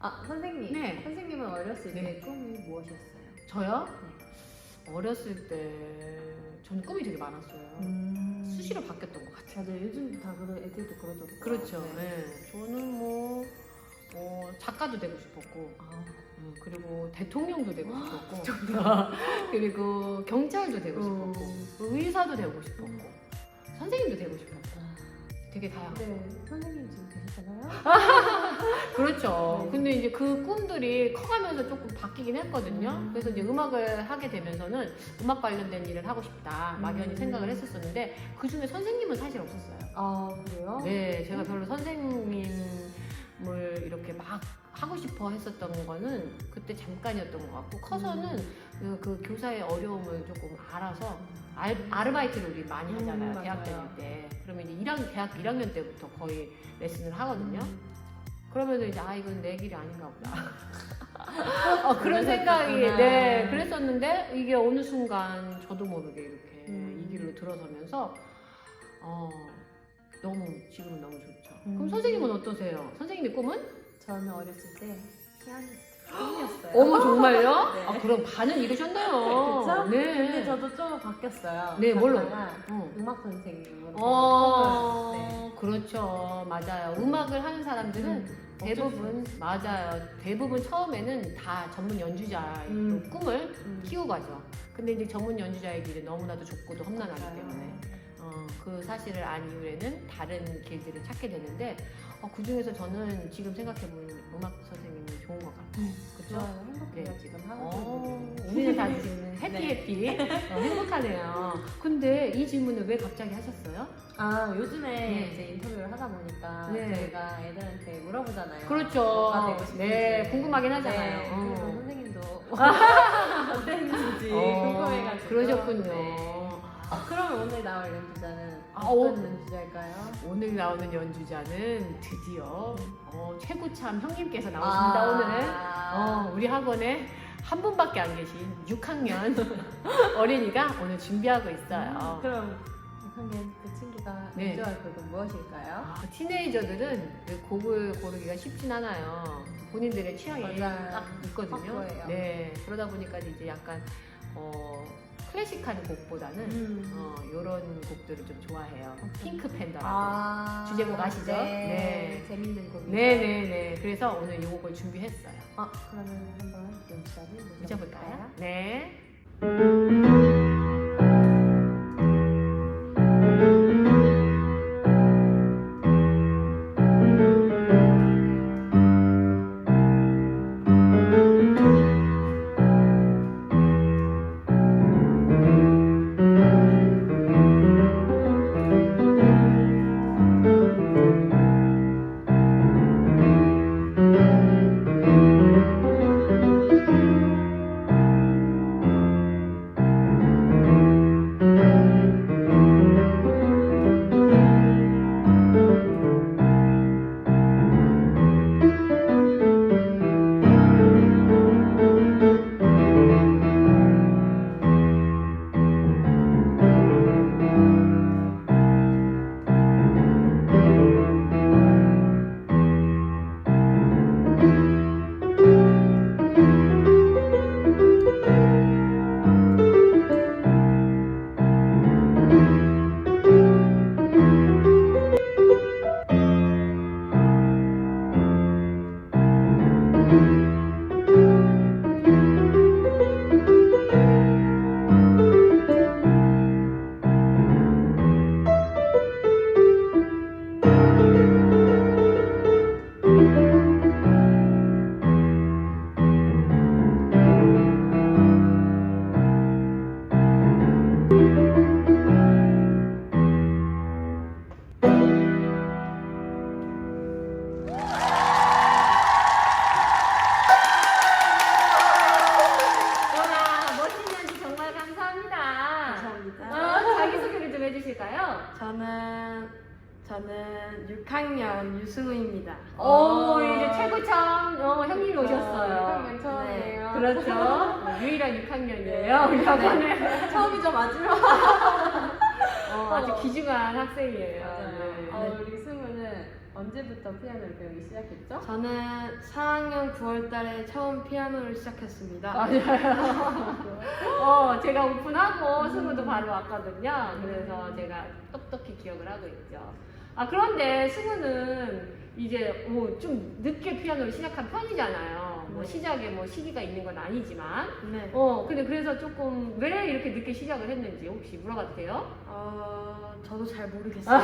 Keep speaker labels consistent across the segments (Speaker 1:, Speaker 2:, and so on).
Speaker 1: 아, 선생님.
Speaker 2: 네.
Speaker 1: 선생님은 어렸을 때
Speaker 2: 네.
Speaker 1: 꿈이 무엇이었어요?
Speaker 2: 저요? 어렸을 때 저는 꿈이 되게 많았어요. 수시로 바뀌었던 것 같아요.
Speaker 1: 맞아요. 요즘 다 애들도 그러더라고요.
Speaker 2: 그렇죠.
Speaker 1: 네.
Speaker 2: 네. 저는 작가도 되고 싶었고,
Speaker 1: 아,
Speaker 2: 그리고 대통령도 되고 싶었고, 그리고 경찰도 되고 싶었고, 의사도 되고 싶었고, 선생님도 되고 싶었고, 되게 다양하고.
Speaker 1: 네, 선생님 지금 되셨잖아요.
Speaker 2: 그렇죠.
Speaker 1: 네.
Speaker 2: 근데 이제 그 꿈들이 커가면서 조금 바뀌긴 했거든요. 그래서 이제 음악을 하게 되면서는 음악 관련된 일을 하고 싶다 막연히 생각을 했었었는데 그 중에 선생님은 사실 없었어요.
Speaker 1: 아, 그래요?
Speaker 2: 네, 제가 별로 선생님을 이렇게 막 하고 싶어 했었던 거는 그때 잠깐이었던 것 같고 커서는 그 교사의 어려움을 조금 알아서 아르바이트를 우리 많이 하잖아요. 대학 다닐
Speaker 1: 맞아요.
Speaker 2: 때. 그러면 이제 대학 1학년 때부터 거의 레슨을 하거든요. 그러면 이제 이건 내 길이 아닌가 보다. 그런 생각이 그랬었는데 이게 어느 순간 저도 모르게 이렇게 이 길로 들어서면서 지금은 너무 좋죠. 그럼 선생님은 어떠세요? 선생님의 꿈은?
Speaker 1: 저는 어렸을 때 피아니스트 꿈이었어요.
Speaker 2: 어머 정말요?
Speaker 1: 네.
Speaker 2: 그럼 반은 이루셨네요.
Speaker 1: 그쵸?
Speaker 2: 네.
Speaker 1: 근데 저도 좀 바뀌었어요.
Speaker 2: 네, 뭘로?
Speaker 1: 갔다가 음악 선생님으로. 네.
Speaker 2: 그렇죠. 맞아요. 음악을 하는 사람들은 대부분 맞아요. 대부분 처음에는 다 전문 연주자의 꿈을 키우고 가죠. 근데 이제 전문 연주자의 길은 너무나도 좁고도 험난하기 때문에 그 사실을 안 이후에는 다른 길들을 찾게 되는데 그 중에서 저는 지금 생각해보면 음악 선생님이 좋은 것 같아요. 그렇죠?
Speaker 1: 좋아요. 행복해요.
Speaker 2: 네.
Speaker 1: 지금 하고 있는
Speaker 2: 우리는 다 지금 해피 행복하네요. 근데 이 질문을 왜 갑자기 하셨어요?
Speaker 1: 요즘에 이제 인터뷰를 하다 보니까 저희가 애들한테 물어보잖아요.
Speaker 2: 그렇죠.
Speaker 1: 뭐가 되고 싶은지.
Speaker 2: 네, 궁금하긴 하잖아요.
Speaker 1: 네, 그래서 선생님도 어땠는지 궁금해가지고.
Speaker 2: 그러셨군요.
Speaker 1: 네. 그러면 오늘 나올 연주자는
Speaker 2: 아,
Speaker 1: 어떤 연주자일까요?
Speaker 2: 오늘 나오는 연주자는 드디어 최고참 형님께서 나오십니다. 오늘 우리 학원에 한 분밖에 안 계신 6학년 어린이가 오늘 준비하고 있어요.
Speaker 1: 그럼 6학년 그 친구가 연주할 곡은 무엇일까요?
Speaker 2: 티네이저들은 그 곡을 고르기가 쉽진 않아요. 본인들의 취향이 딱 있거든요.
Speaker 1: 확고해요.
Speaker 2: 네, 그러다 보니까 이제 약간 클래식한 곡보다는 이런 곡들을 좀 좋아해요. 핑크 팬더라고 주제곡 아시죠?
Speaker 1: 네. 재밌는 곡이죠.
Speaker 2: 네네네. 그래서 오늘 이 곡을 준비했어요.
Speaker 1: 그러면 한번 연주자를
Speaker 2: 모셔볼까요? 네.
Speaker 1: 저는 6학년 유승우입니다.
Speaker 2: 이제 최고참 형님이 오셨어요.
Speaker 1: 6학년 처음이에요.
Speaker 2: 네, 그렇죠. 유일한 6학년이에요. 우리 학원에.
Speaker 1: 처음이죠, 마지막.
Speaker 2: 아주 귀중한 학생이에요.
Speaker 1: 맞아요.
Speaker 2: 네.
Speaker 1: 우리 승우는 언제부터 피아노를 배우기 시작했죠?
Speaker 3: 저는 4학년 9월달에 처음 피아노를 시작했습니다.
Speaker 2: 제가 오픈하고 승우도 바로 왔거든요. 그래서 제가 똑똑히 기억을 하고 있죠. 그런데 승우는 이제 좀 늦게 피아노를 시작한 편이잖아요. 뭐
Speaker 3: 네.
Speaker 2: 시작에 뭐 시기가 있는 건 아니지만.
Speaker 3: 네.
Speaker 2: 근데 그래서 조금 왜 이렇게 늦게 시작을 했는지 혹시 물어봐도 돼요?
Speaker 3: 저도 잘 모르겠어요.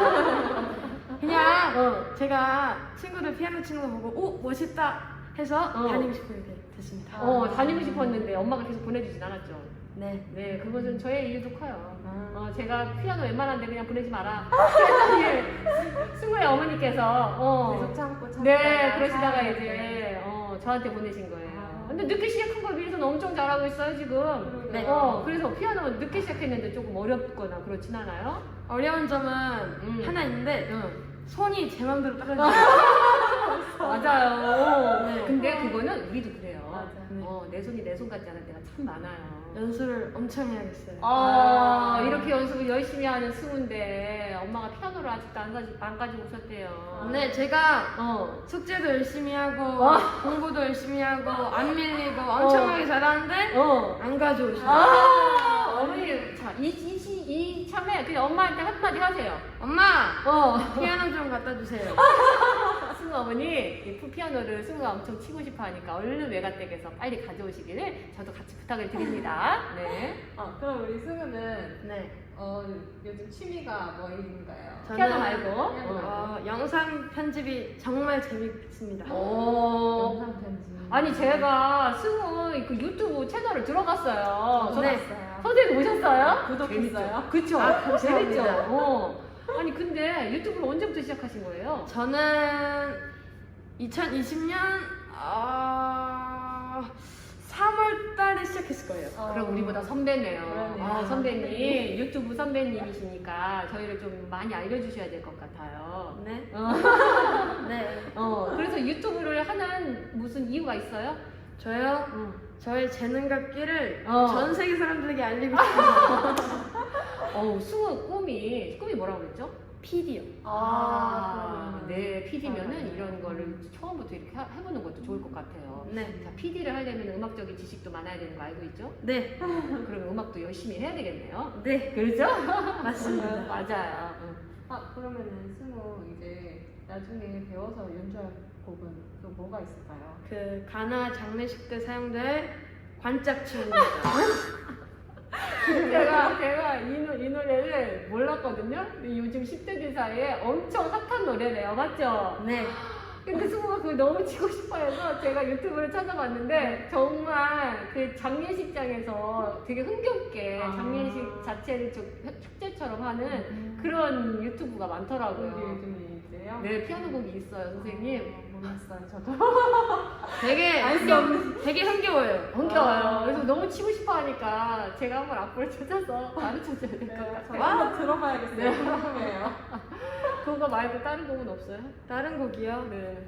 Speaker 3: 그냥 제가 친구들 피아노 치는 거 보고 오 멋있다 해서 다니고 싶게 됐습니다.
Speaker 2: 다니고 싶었는데 엄마가 계속 보내주진 않았죠.
Speaker 3: 네.
Speaker 2: 네, 그것은 저의 이유도 커요. 제가 피아노 웬만한데 그냥 보내지 마라. 승우의 어머니께서
Speaker 1: 계속 참고
Speaker 2: 네, 그러시다가 이제 저한테 보내신 거예요. 근데 늦게 시작한 걸 위해서는 엄청 잘하고 있어요 지금.
Speaker 3: 네.
Speaker 2: 그래서 피아노 늦게 시작했는데 조금 어렵거나 그렇진 않아요?
Speaker 3: 어려운 점은 하나 있는데 손이 제 맘대로 떨어지죠.
Speaker 2: 맞아요.
Speaker 3: 네.
Speaker 2: 근데 그거는 우리도 그래요.
Speaker 1: 맞아.
Speaker 3: 네.
Speaker 2: 내 손이 내 손 같지 않을 때가 참 많아요.
Speaker 3: 연습을 엄청 해야겠어요.
Speaker 2: 이렇게 연습을 열심히 하는 승우인데 엄마가 피아노를 아직도 안 가지고 오셨대요.
Speaker 3: 네, 제가 숙제도 열심히 하고 공부도 열심히 하고 안 밀리고 엄청나게 잘하는데 안 가져오셔요.
Speaker 2: 어머니, 자, 이 참에 그냥 엄마한테 한마디 하세요.
Speaker 3: 엄마, 피아노 좀 갖다 주세요.
Speaker 2: 승우 어머니, 이 피아노를 승우가 엄청 치고 싶어 하니까 얼른 외가댁에서 빨리 가져오시기를 저도 같이 부탁을 드립니다. 네.
Speaker 1: 그럼 우리 승우는
Speaker 3: 네,
Speaker 1: 요즘 취미가 뭐인가요?
Speaker 2: 피아노 말고.
Speaker 1: 피아노 말고.
Speaker 3: 영상 편집이 정말 재밌습니다.
Speaker 1: 영상 편집.
Speaker 2: 아니, 제가 승우 그 유튜브 채널을 들어갔어요.
Speaker 3: 네.
Speaker 2: 선생님 오셨어요?
Speaker 1: 구독했어요?
Speaker 2: 그쵸?
Speaker 3: 감사합니다.
Speaker 2: 재밌죠? 아니, 근데 유튜브를 언제부터 시작하신 거예요?
Speaker 3: 저는 2020년 3월 달에 시작했을 거예요.
Speaker 2: 그럼 우리보다 선배네요.
Speaker 1: 그러네요.
Speaker 2: 선배님, 유튜브 선배님이시니까 저희를 좀 많이 알려주셔야 될 것 같아요.
Speaker 3: 네. 네.
Speaker 2: 그래서 유튜브를 하는 무슨 이유가 있어요?
Speaker 3: 저요? 저의 재능과 끼를
Speaker 2: 어.
Speaker 3: 전 세계 사람들에게 알리고 싶어요.
Speaker 2: 승우 꿈이 뭐라고 그랬죠?
Speaker 3: PD요.
Speaker 2: 네, PD면은 이런 거를 처음부터 이렇게 해보는 것도 좋을 것 같아요.
Speaker 3: 네.
Speaker 2: 자, PD를 하려면 음악적인 지식도 많아야 되는 거 알고 있죠?
Speaker 3: 네.
Speaker 2: 그러면 음악도 열심히 해야 되겠네요.
Speaker 3: 네.
Speaker 2: 그렇죠?
Speaker 3: 맞습니다.
Speaker 2: 맞아요.
Speaker 1: 그러면은 승우 이제 나중에 배워서 연주할 곡은 또 뭐가 있을까요?
Speaker 3: 그 가나 장례식 때 사용될 관짝춤입니다.
Speaker 2: 제가 이 노래를 몰랐거든요. 근데 요즘 10대들 사이에 엄청 핫한 노래래요. 맞죠?
Speaker 3: 네.
Speaker 2: 근데 승우가 그걸 너무 치고 싶어 해서 제가 유튜브를 찾아봤는데 정말 그 장례식장에서 되게 흥겹게 장례식 자체를 좀 축제처럼 하는 그런 유튜브가 많더라고요.
Speaker 1: 요즘에 있어요?
Speaker 2: 네, 피아노곡이 있어요, 선생님.
Speaker 1: 몰랐어요, 저도.
Speaker 3: 되게 되게 흥겨워요.
Speaker 2: 흥겨워요. 그래서 너무 치고 싶어 하니까 제가 한번 악보를 찾아서 가르쳐줘야 될 것
Speaker 1: 저
Speaker 2: 같아요.
Speaker 1: 한번 들어봐야겠어요. 궁금해요.
Speaker 2: 그거 말고 다른 곡은 없어요?
Speaker 3: 다른 곡이요?
Speaker 2: 네.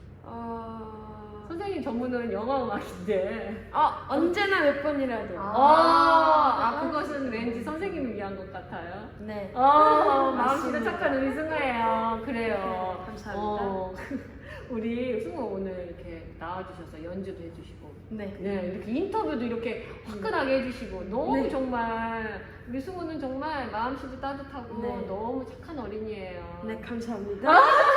Speaker 2: 선생님 전문은 영화 음악인데.
Speaker 3: 언제나 몇 번이라도.
Speaker 2: 그것은 왠지 선생님을 위한 것 같아요.
Speaker 3: 네.
Speaker 2: 마음씨가
Speaker 3: 맞습니다.
Speaker 2: 착한 우리 승우예요. 그래요.
Speaker 3: 네, 감사합니다.
Speaker 2: 우리 승우 오늘 이렇게 나와주셔서 연주도 해주시고.
Speaker 3: 네.
Speaker 2: 네, 이렇게 인터뷰도 이렇게 화끈하게 해주시고 너무
Speaker 3: 네.
Speaker 2: 정말 우리 승우는 정말 마음씨도 따뜻하고
Speaker 3: 네.
Speaker 2: 너무 착한 어린이에요.
Speaker 3: 네, 감사합니다.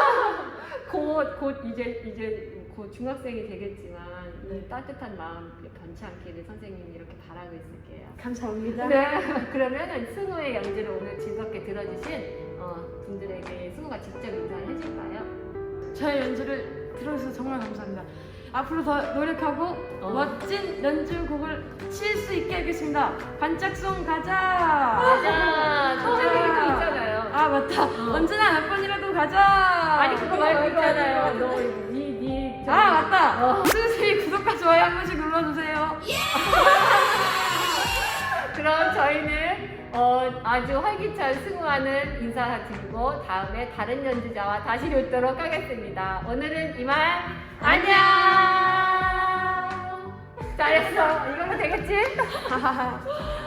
Speaker 2: 곧 이제 곧 중학생이 되겠지만 이
Speaker 3: 네.
Speaker 2: 따뜻한 마음 변치 않기를 선생님이 이렇게 바라고 있을게요.
Speaker 3: 감사합니다.
Speaker 2: 네, 그러면 승우의 연주를 오늘 즐겁게 들어주신 분들에게 승우가 직접 인사를 해줄까요?
Speaker 3: 저의 연주를 들어주셔서 정말 감사합니다. 앞으로 더 노력하고 멋진 연주곡을 칠 수 있게 하겠습니다. 반짝송 가자!
Speaker 2: 맞아, 선생님이 또 있잖아요.
Speaker 3: 맞다. 언제나 몇 번이라도 가자!
Speaker 2: 아니 그거 말고 있잖아요. 너
Speaker 3: 맞다. 선생님 구독과 좋아요 한 번씩 눌러주세요.
Speaker 2: 그럼 저희는 아주 활기찬 승우와는 인사드리고 다음에 다른 연주자와 다시 뵙도록 하겠습니다. 오늘은 이만 안녕. 잘했어. 이거면 되겠지?